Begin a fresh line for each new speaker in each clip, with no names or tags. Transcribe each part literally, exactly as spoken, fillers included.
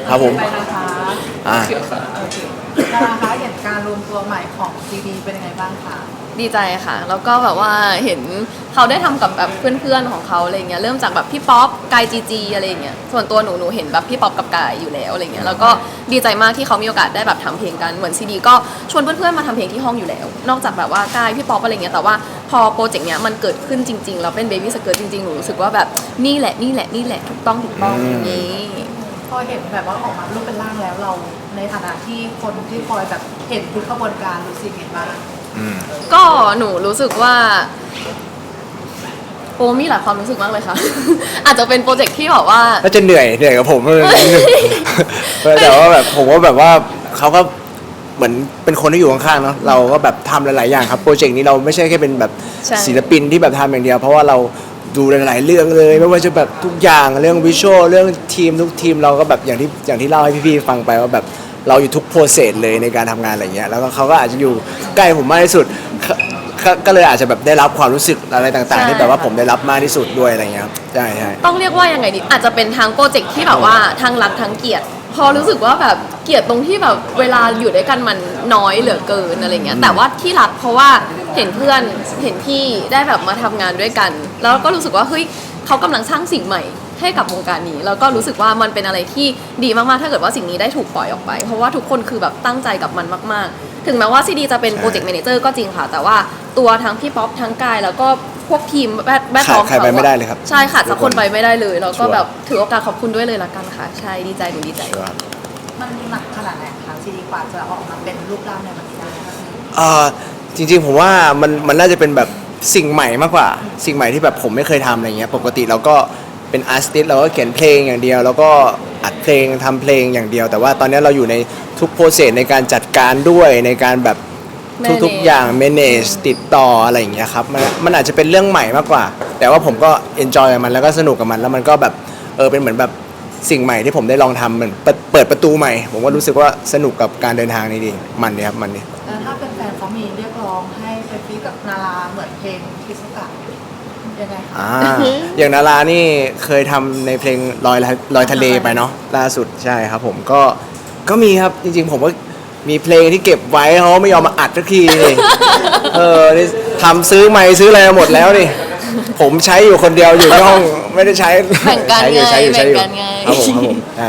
ครับผม
ไปนะคะ
อ่า
โอเคนะคะเห็นการรวมตัวใหม่ของซีดีเป็นยังไงบ้างคะ
ดีใจค่ะแล้วก็แบบว่าเห็นเขาได้ทำกับแบบเพื่อนๆของเขาอะไรเงี้ยเริ่มจากแบบพี่ป๊อปกายจีจีอะไรเงี้ยส่วนตัวหนูหนูเห็นแบบพี่ป๊อปกับกายอยู่แล้วอะไรเงี้ยแล้วก็ดีใจมากที่เขามีโอกาสได้แบบทำเพลงกันเหมือนซีดีก็ชวนเพื่อนๆมาทำเพลงที่ห้องอยู่แล้วนอกจากแบบว่ากายพี่ป๊อปอะไรเงี้ยแต่ว่าพอโปรเจกต์เนี้ยมันเกิดขึ้นจริงๆแล้วเป็นเบบี้สเกิร์ตจริงๆหนูรู้สึกว่าแบบนี่แหละนี่แหละนี่แหละถูกต้องถูกต้องอย่างนี้
พอเห็นแบบว่าออกมารูปเป็นร่างแล้วเราในฐานะที่คนที่คอยแบบเห็นทุกกระบวนการรู้สึกยังไงบ้าง
ก็หนูรู้สึกว่าโอ้มีหลายความรู้สึกมากเลยค่ะ อาจจะเป็นโปรเจกต์ที่แบบว่า
ก็จะเหนื่อยเหนื่อยกับผมเลยนิดนึงแต่ว่าแบบผมว่าแบบว่าเขาก็เหมือนเป็นคนที่อยู่ข้างๆเนาะเราก็แบบทำหลายๆอย่างครับโปรเจกต์นี้เราไม่ใช่แค่เป็นแบบ
ใช่
ศิลปินที่แบบทำอย่างเดียว เพราะว่าเราดูหลายๆเรื่องเลยไม่ว่าจะแบบทุกอย่างเรื่องวิชวลเรื่องทีมทุกทีมเราก็แบบอย่างที่อย่างที่เล่าให้พี่ๆฟังไปว่าแบบเราอยู่ทุกโปรเซสเลยในการทำงานอะไรเงี้ยแล้วก็เขาก็อาจจะอยู่ใกล้ผมมากที่สุดก็ก็ก็เลยอาจจะแบบได้รับความรู้สึกอะไรต่างๆที่แบบว่าผมได้รับมากที่สุดด้วยอะไรเงี้ยครับใช่ใช่
ต้องเรียกว่ายังไงดีอาจจะเป็นทางโปรเจกต์ที่แบบว่าทางรักทั้งเกียรติพอรู้สึกว่าแบบเกลียดตรงที่แบบเวลาอยู่ด้วยกันมันน้อยเหลือเกินอะไรเงี้ยแต่ว่าที่รักเพราะว่าเห็นเพื่อนเห็นพี่ได้แบบมาทำงานด้วยกัน แล้วก็รู้สึกว่าเฮ้ยเขากำลังสร้างสิ่งใหม่ให้กับวงการนี้แล้วก็รู้สึกว่ามันเป็นอะไรที่ดีมากๆถ้าเกิดว่าสิ่งนี้ได้ถูกปล่อยออกไป เพราะว่าทุกคนคือแบบตั้งใจกับมันมากๆ ถึงแม้ว่าซีดีจะเป็นโปรเจกต์แมเนเจอร์ก็จริงค่ะแต่ว่าตัวทั้งพี่ป๊อปทั้งกายแล้วก็พวกทีมแบทแบท
ขาด
ของ
ใครไปไม่ได้เลยครับ
ใช่ขาดสักคนไปไม่ได้เลยแล้วก็
ชัวร์
แบบถือโอกาสขอบคุณด้วยเลยละกันค่ะใช่ดีใจหนูดีใจ
มันหนักขนาดไหนคะซีดีกว่าจะออกมาเป็นรูปร่างในวันนี้ได้
เอ่อจริงๆผมว่ามันมันน่าจะเป็นแบบสิ่งใหม่มากกว่า สิ่งใหม่ที่แบบผมไม่เคยทำอะไรเงี้ยปกติเราก็เป็นอาร์ติสต์เราก็เขียนเพลงอย่างเดียว แล้วก็อัดเพลงทำเพลงอย่างเดียว แต่ว่าตอนนี้เราอยู่ในทุกโปรเซสในการจัดการด้วยในการแบบทุกๆอย่าง manage ติดต่ออะไรอย่างเงี้ยครับมันมันอาจจะเป็นเรื่องใหม่มากกว่า แต่ว่าผมก็ enjoy กับมันแล้วก็สนุกกับมันแล้วมันก็แบบเออเป็นเหมือนแบบสิ่งใหม่ที่ผมได้ลองทำเหมือนเปิดเปิดประตูใหม่ ผมก็รู้สึกว่าสนุกกับการเดินทางนี้ดีมันเนี่ยครับมันเนี่ย
แล้วถ้าเป็นแฟนเขามีเรียกร้องให้ไปฟีดกับนาราเหมือนเพลงคิสกะยังไงคะ
อ่าอย่างนารานี่เคยทำในเพลงลอยลอยทะเลไปเนาะล่าสุดใช่ครับผมก็ก็มีครับจริงๆผมก็มีเพลงที่เก็บไว้เขาไม่ยอมมาอัดสักทีนี่ เออนี่ทำซื้อไมค์ซื้ออะไรมาหมดแล้วนี่ผมใช้อยู่คนเดียวอยู่ที่ห้องไม่ได้ใช้
แบ่งกัน
ใช้อยู่
ไง
ใช้อยู่ใช้อยู่
แบ่งกันไง
ครับผมครับผมใช่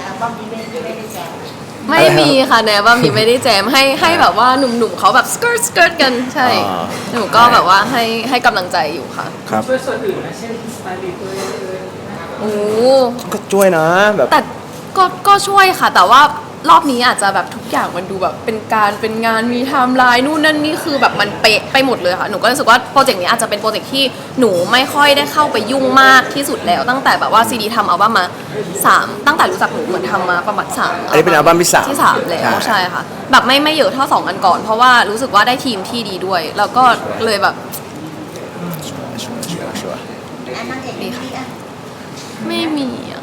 ไม่มีค่ะแนว่ามีไม่ได้แจมให้ให้แบบว่าหนุ่มๆเขาแบบสเกิร์ตสเกิร์ตกันใช่
อ่า
หนูก็แบบว่าให้ให้กำลังใจอยู่ค่ะ
ครับ
ช่วยส่วนอื่นนะเช่นสไตลิสต์ตัวเองเลย
โอ้
ก็ช่วยนะแบบ
แต่ก็ก็ช่วยค่ะ แต่ว่ารอบนี้อาจจะแบบทุกอย่างมันดูแบบเป็นการเป็นงานมีไทม์ไลน์นู่นนั่นนี่คือแบบมันเป๊ะไปหมดเลยค่ะหนูก็รู้สึกว่าโปรเจกต์นี้อาจจะเป็นโปรเจกต์ที่หนูไม่ค่อยได้เข้าไปยุ่งมากที่สุดแล้ว ตั้งแต่แบบว่าซีดีทำอัลบั้มมาสามตั้งแต่รู้จักหนูเหมือนทำมาประมาณสาม
อันนี้เป็นอัลบั้มที่สาม
ที่สามแล้ว
ใช่
ใช่ค่ะแบบไม่ไม่เยอะเท่าสองอันก่อน เพราะว่ารู้สึกว่าได้ทีมที่ดีด้วย แล้วก็เลยแบบ
ชัวร์ชัวร์ชัวร์
ดีค่ะไม่มีอ่ะ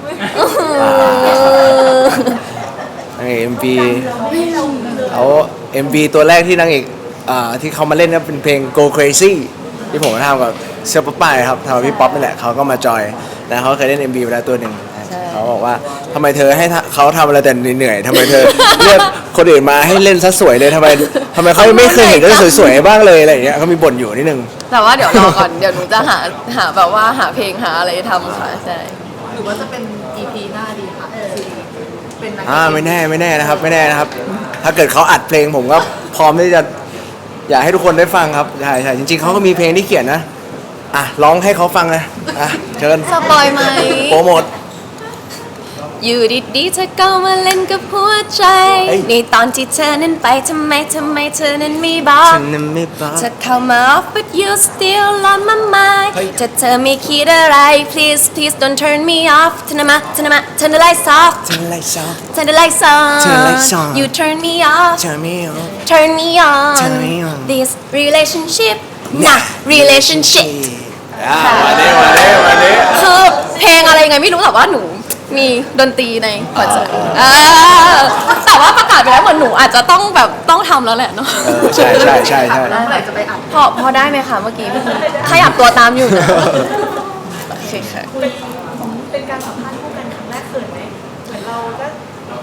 นางเอก เอ็ม วี แล้ว เอ็ม วี ตัวแรกที่นางเอกอ่าที่เขามาเล่นก็เป็นเพลง Go Crazy ที่ผมทำกับเซอร์ป๊อปป้ายครับทำกับพี่ป๊อปนี่แหละเขาก็มาจอยนะเขาเคยเล่น เอ็ม วี ไปแล้วตัวหนึ่งเขาบอกว่าทำไมเธอให้เขาทำอะไรแต่เหนื่อยๆทำไมเธอเลือกคนอื่นมาให้เล่นซะสวยเลยทำไมทำไมเขาไม่เคยเห็นเรื่องสวยๆบ้างเลยอะไรอย่างเงี้ยเขามีบ่นอยู่นิดนึง
แต่ว่าเดี๋ยวรอก่อน เดี๋ยวหนูจะหาหาแบบว่าหาเพลงหาอะไรทำค่ะใช่
หรือว่าจะเป็น อี พี หน้าดีค่ะซีดีเป็นนัก
อ่าไม่แน่ไม่แน่นะครับไม่แน่นะครับ ถ้าเกิดเขาอัดเพลงผมก็พร้อมที่จะอยากให้ทุกคนได้ฟังครับใช่ใช่จริงๆเขาก็มีเพลงที่เขียนนะอ่ะร้องให้เขาฟังนะอ่ะเชิญ
สปอยไหม
โปรโมท
อยู่ดีๆเธอก็มาเล่นกับหัวใจ
เอ้ย
ในตอนที่เธอนั้นไปทำไมทำไมเธอนั้นไม่บอก
ฉันนั้นไม่บ้า
เธอเข้ามา off but you still on my mind
เฮ้ย
ถ้าเธอไม่คิดอะไร please please don't turn me off เธอนะมาเธอนะมา turn the lights off
เธอไรซอ
turn the lights on
Turn the lights on
you turn me off
เธอไม่เอา
turn me on
Turn me on
this relationship นะ relationship
อ่าวันนี้วันนี้วันนี้
คือเพลงอะไรไงไม่รู้แต่ว่าหนูมีดนตรีในคอนเสิร์ตอ่าแต่ว่าประกาศไปแล้วเหมือนหนูอาจจะต้องแบบต้องทำแล้วแหละเนาะ
เออใช่ใช่ใช่ใช่
แล้วเมื่อไหร่จะไปอัด
พอพอได้ไหมคะเมื่อกี้พี่ขยับตัวตามอยู่นะโอเคค่ะ
เป็นการสัมภาษณ์คู่กันครั้งแรกเขินไหมเหมือนเราก็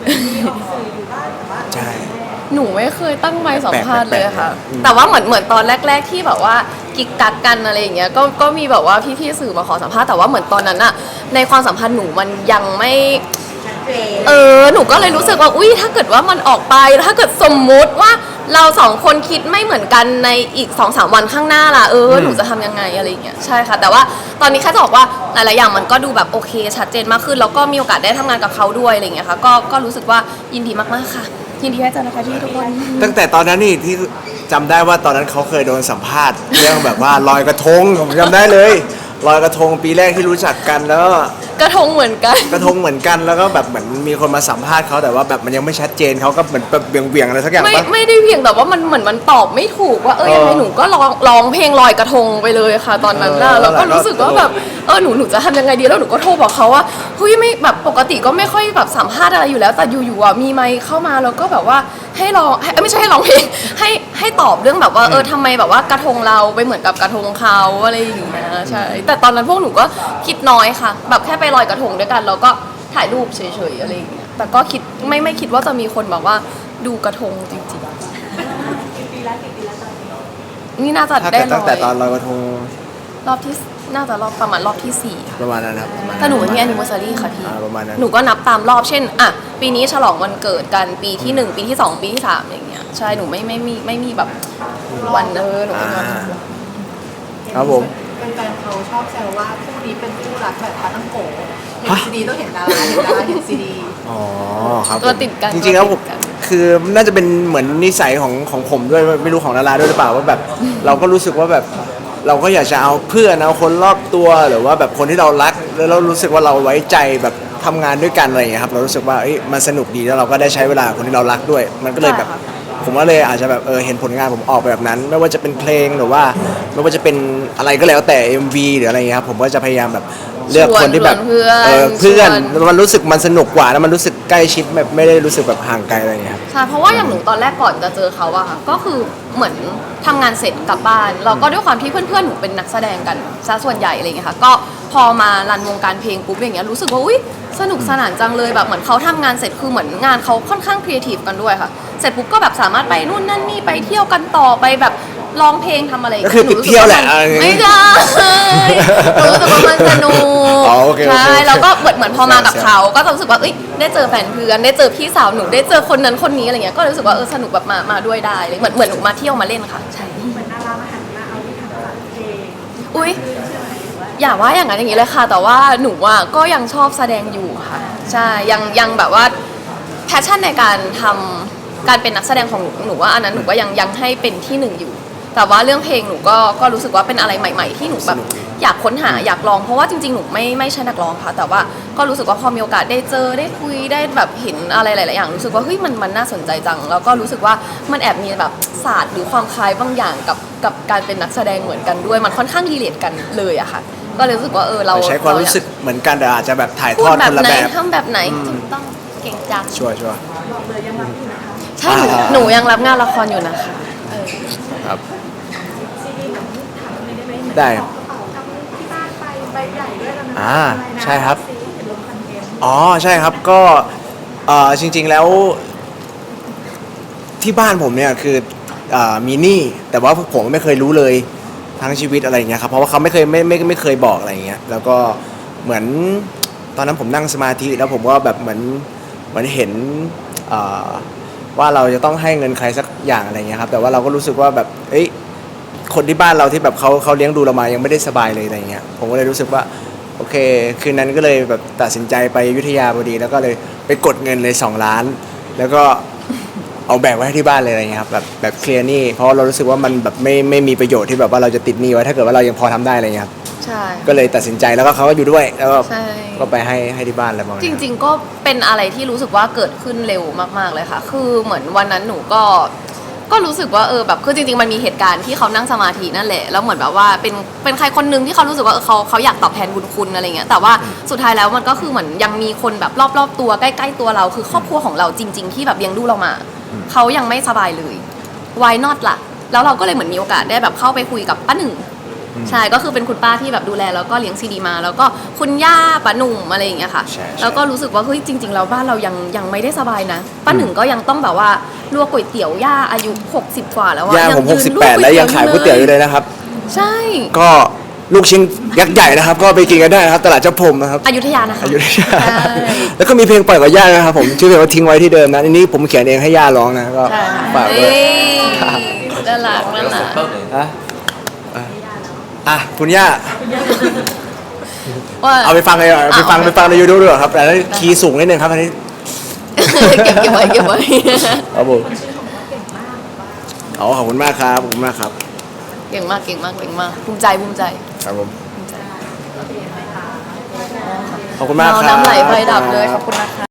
ใช่
หนูไม่เคยตั้งไมค์สัมภาษณ์เลยค่ะ
แปลกๆอืม
แต่ว่าเหมือนเหมือนตอนแรก ๆ ที่แบบว่ากิกกักกันอะไรอย่างเงี้ยก็ก็มีแบบว่าพี่ๆสื่อมาขอสัมภาษณ์แต่ว่าเหมือนตอนนั้นอะในความสัมพันธ์หนูมันยังไม่เออหนูก็เลยรู้สึกว่าอุ้ยถ้าเกิดว่ามันออกไปถ้าเกิดสมมุติว่าเราสองคนคิดไม่เหมือนกันในอีก สองสาม วันข้างหน้าล่ะเออหนูจะทำยังไงอะไรอย่างเงี้ยใช่ค่ะแต่ว่าตอนนี้แค่จะบอกว่าหลายๆอย่างมันก็ดูแบบโอเคชัดเจนมากขึ้นแล้วก็มีโอกาสได้ทำงานกับเขาด้วยอะไรอย่างเงี้ยค่ะก็ก็รู้สึกว่ายินดีมากๆค่ะยินดีให้เจอนะคะพี่ทุกคน
ตั้งแต่ตอนนั้นนี่ที่จำได้ว่าตอนนั้นเขาเคยโดนสัมภาษณ์เรื่องแบบว่าลอยกระทงผมจำได้เลยลอยกระทงปีแรกที่รู้จักกันแล้ว
กระทงเหมือนกัน
กระทงเหมือนกันแล้วก็แบบเหมือนมีคนมาสัมภาษณ์เขาแต่ว่าแบบมันยังไม่ชัดเจนเขาก็เหมือนแบบเบี่ยงๆอะไรสักอย่าง
ไม่
ปะ
ไม่ได้เพียงแต่ว่ามันเหมือนมันตอบไม่ถูกว่าเออ
เออ
ยังไงหนูก็ร้องร้องเพลงลอยกระทงไปเลยค่ะ ตอนนั้นน่ะ
เออ
แล้วก็
แล้ว
รู้สึกว่าแบบเออหนูหนูจะทำยังไงดีแล้วหนูก็โทรบอกเขาว่าเฮ้ยไม่แบบปกติก็ไม่ค่อยแบบสัมภาษณ์อะไรอยู่แล้วแต่อยู่ๆอ่ะมีไมค์เข้ามาแล้วก็แบบว่าให้ร้องให้เอ้ยไม่ใช่ให้ร้องเพลงให้ให้ตอบเรื่องแบบว่าเออทำไมแบบว่ากระทงเราไปเหมือนกับกระทงเขาอะไรอย่างเงี้ยใช่แต่ตอนนั้นพวกหนูก็คิดน้อยค่ะ แบบแค่ไปลอยกระทงด้วยกันแล้วก็ถ่ายรูปเฉยๆอะไรอย่างเงี้ยแต่ก็คิดไม่ไม่คิดว่าจะมีคนแบบว่าดูกระทงจริงๆนี่น่าจะ
ถ้า
ได้
เกิด
ล
ตั้งแต่ต
อ
อน
ย
ลอยกระทง
รอบที่น่าจะรอบประมาณรอบที่สี่ค่ะ
ประมาณนั้นครับ
แต่หนูไม่มี anniversary ค่ะพี่
อ่าประมาณนั้น
หนูก็นับตามรอบเช่นอ่ะปีนี้ฉลองวันเกิดกันปีที่หนึ่งปีที่สองปีที่สามอย่างเงี้ยใช่หนูไม่ไม่มีไม่มีแบบวันเออหนูไม่มีวัน
อ่า ครับผม
แฟนๆเขาชอบแซวว่าคู่นี้เป็นคู่รักแบบปาตั้งโกะเห็นซีดีต้องเห็นดาราเห็นดาราเห็นซีดี
อ๋อครับผม
ตัวติดกัน
จริงๆแล้วผม
ตัวติดกัน
คือน่าจะเป็นเหมือนนิสัยของของผมด้วยไม่รู้ของดาราด้วยหรือเปล่าว่าแบบเราก็รู้สึกว่าแบบเราก็อยากจะเอาเพื่อนเอาคนรอบตัวหรือว่าแบบคนที่เรารักแล้วเรารู้สึกว่าเราไว้ใจแบบทำงานด้วยกันอะไรอย่างเงี้ยครับเรารู้สึกว่าเอ้ยมันสนุกดีแล้วเราก็ได้ใช้เวลากับคนที่เรารักด้วย มันก็เลยแบบ
ใช่ค่ะ
ผมว่าเลยอาจจะแบบเออเห็นผลงานผมออกไปแบบนั้น ไม่ว่าจะเป็นเพลงหรือว่าไม่ว่าจะเป็นอะไรก็แล้วแต่ เอ็ม วี หรืออะไรเงี้ยครับผมก็จะพยายามแบบเลือกคนที่แบบ
ชวนเพื่อน
เออเพื่อน
ชวน
แล้วมันรู้สึกมันสนุกกว่าแล้วมันรู้สึกใกล้ชิดแบบไม่ได้รู้สึกแบบห่างไกลอะไรเงี้ยครับ
ใช่เพราะว่าอย่างหนูตอนแรกก่อนจะเจอเขาอะค่ะก็คือเหมือนทำงานเสร็จกลับบ้านเราก็ด้วยความที่เพื่อนๆหนูเป็นนักแสดงกันซะส่วนใหญ่อะไรเงี้ยค่ะก็พอมารันวงการเพลงปุ๊บอย่างเงี้ยรู้สึกว่าอุ้ยสนุกสนานจังเลยแบบเหมือนเขาทำงานเสร็จคือเหมือนงานเขาค่อนข้างครีเอทีฟกันด้วยค่ะเสร็จปุ๊บก็แบบสามารถไปนู่นนั่นนี่ไปเที่ยวกันต่อไปแบบร้องเพลงทำอะไรย่าง
ก็
งี้
คือติดเที่ยวแหละ
นู
เอาอย่างงี้
ไม่ใช่หนูรู้สึกว่ามันสนุก
อ๋อโอเคโอเค
ใช่
โอเค
แล้วก็เหมือนเหมือนพอมากับ
ใช่
เขา ก็จะรู้สึกว่าเอ้ยได้เจอแฟนเพื่อนได้เจอพี่สาวหนูได้เจอคนนั้นคนนี้อะไรเงี้ยก็รู้สึกว่าเออสนุกแบบมามาด้วยได้เลยเหมือนเหมือนหนูมาเที่ยวมาเล่นค่ะใช่เหมือนดารามาหันมาเอาที่ทำสายเพลงอุ้ยอย่าว่าอย่างนั้นอย่างนี้เลยค่ะ แต่ว่าหนูอ่ะก็ยังชอบแสดงอยู่ค่ะใช่ยังยังแบบว่าแพชชั่นในการทำการเป็นนักแสดงของหนูหนูว่าอันนั้นหนูก็ยังยังให้เป็นที่หนึ่งอยู่ แต่ว่าเรื่องเพลงหนูก็ก็รู้สึกว่าเป็นอะไรใหม่ ๆ ที่หนูแบบอยากค้นหาอยากลองเพราะว่าจริงๆหนูไม่ไม่ใช่นักร้องค่ะ แต่ว่าก็รู้สึกว่าพอมีโอกาสได้เจอได้คุยได้แบบเห็นอะไรหลายๆอย่างรู้สึกว่าเฮ้ยมันมันน่าสนใจจัง แล้วก็รู้สึกว่ามันแอบมีแบบศาสตร์หรือความคล้ายบางอย่างกับกับการเป็นนักแสดงเหมือนกันด้วยมันค่อนข้างรีเลทกันเลยอะค่ะ ก็เลยรู้สึกว่าเออเรา
ใช้ความรู้สึกเหมือนกันแต่อาจจะแบบถ่ายท
พู
อ
ด
ด
แบ
ค
บ
นละ
ไหน
แบบ
ทำแบบไหนถูกต้องเก่งจัง
ชัวร์ชัวร์
ใช่หนู
อ่า
หนูยังรับงานละครอยู่นะคะเออ
ครับได้ครับอ่าใช่ครับ อ๋อใช่ครับก็เอ่อจริงๆแล้วที่บ้านผมเนี่ยคือเอ่อมีหนี้แต่ว่าผมไม่เคยรู้เลยทั้งชีวิตอะไรอย่างเงี้ยครับเพราะว่าเขาไม่เคยไม่ไม่ไม่เคยบอกอะไรอย่างเงี้ยแล้วก็เหมือนตอนนั้นผมนั่งสมาธิแล้วผมก็แบบเหมือนเหมือนเห็นเอ่อว่าเราจะต้องให้เงินใครสักอย่างอะไรอย่างเงี้ยครับแต่ว่าเราก็รู้สึกว่าแบบเอ้ยคนที่บ้านเราที่แบบเขาเขาเลี้ยงดูเรามายังไม่ได้สบายเลยอะไรอย่างเงี้ยผมก็เลยรู้สึกว่าโอเคคืนนั้นก็เลยแบบตัดสินใจไปอยุธยาพอดีแล้วก็เลยไปกดเงินเลยสองล้านแล้วก็ เอาแบกไว้ให้ที่บ้านเลยอะไรเงี้ยครับแบบแบบเคลียร์หนี้เพราะเรารู้สึกว่ามันแบบไม่ไม่มีประโยชน์ที่แบบว่าเราจะติดหนี้ไว้ถ้าเกิดว่าเรายังพอทำได้อะไรเงี้ยครับ
ใช่
ก็เลยตัดสินใจแล้วก็เขาก็อยู่ด้วยแล้วก็
ใช่
ก็ไปให้ให้ที่บ้านอะไรประมาณ
จ
นั้น
ริงๆก็เป็นอะไรที่รู้สึกว่าเกิดขึ้นเร็วมากๆเลยค่ะ คือเหมือนวันนั้นหนูก็ก็รู้สึกว่าเออแบบคือจริงๆมันมีเหตุการณ์ที่เขานั่งสมาธินั่นแหละแล้วเหมือนแบบว่าเป็นเป็นใครคนหนึงที่เขารู้สึกว่าเออเขาเขาอยากตอบแทนบุญคุณอะไรเงี้ยแต่ว่าสุดท้ายแล้วมันก็คือเหมือนยังมีคนแบบรอบๆตัวใกล้ๆตัวเราคือครอบครัวของเราจริง ๆ ที่แบบเลี้ยงดูเรามาเขายังไม่สบายเลย why not ล่ะแล้วเราก็เลยเหมือนมีโอกาสได้แบบเข้าไปคุยกับป้าหนึ่งใช่ก็คือเป็นคุณป้าที่แบบดูแลแล้วก็เลี้ยงซีดีมา แล้วก็คุณย่าป้าหนุ่มอะไรอย่างเงี้ยค่ะ
ใช่ใช่
แล้วก็รู้สึกว่าเฮ้ยจริงๆแล้วบ้านเรายังยังไม่ได้สบายนะป้าหนึ่งก็ยังต้องแบบว่าลวกก๋วยเตี๋ยวย่าอายุหกสิบกว่าแล้วอะ
ย่าผม
ยืน
หกสิบ
ล
แป
ว
ดแล้วยังขายก๋วยเตี๋ยวอยู่เลยนะครับ
ใช่
ก็ลูกชิ้นยักษ์ใหญ่นะครับ ก็ไปกินกันได้นะครับ ตลาดเจ้าพรมนะครับ
อยุธยานะคะ
อยุธยา
ใช่
แล้วก็มีเพลงปล่อยกับย่านะครับผมชื่อเพลงว่าทิ้งไว้ที่เดิมนะอันนี้ผมเขียนเองให้ย่าร้องนะก็ฝากด้
เอ้
วย
ยน่ารักน่ารัก
อ่ะอ่ะอ่ะคุณย่า
ว่า
เอาไปฟังเลยเหรอไปฟัง
เอา
ไปฟังในยูทูบด้วยเหรอครับแต่นั้นคีย์สูงนิดนึงครับอันนี้
เก็บเก็บไว้เก็บไว้
ครับผมอ๋อขอบคุณมากครับขอบคุณมากครับ
เก่งมากเก่งมากเก่งมากภูมิใจภูมิใจ
ครับผมขอบคุณมากครับ
น้ำไหลไฟดับเลยขอบคุณนะคะ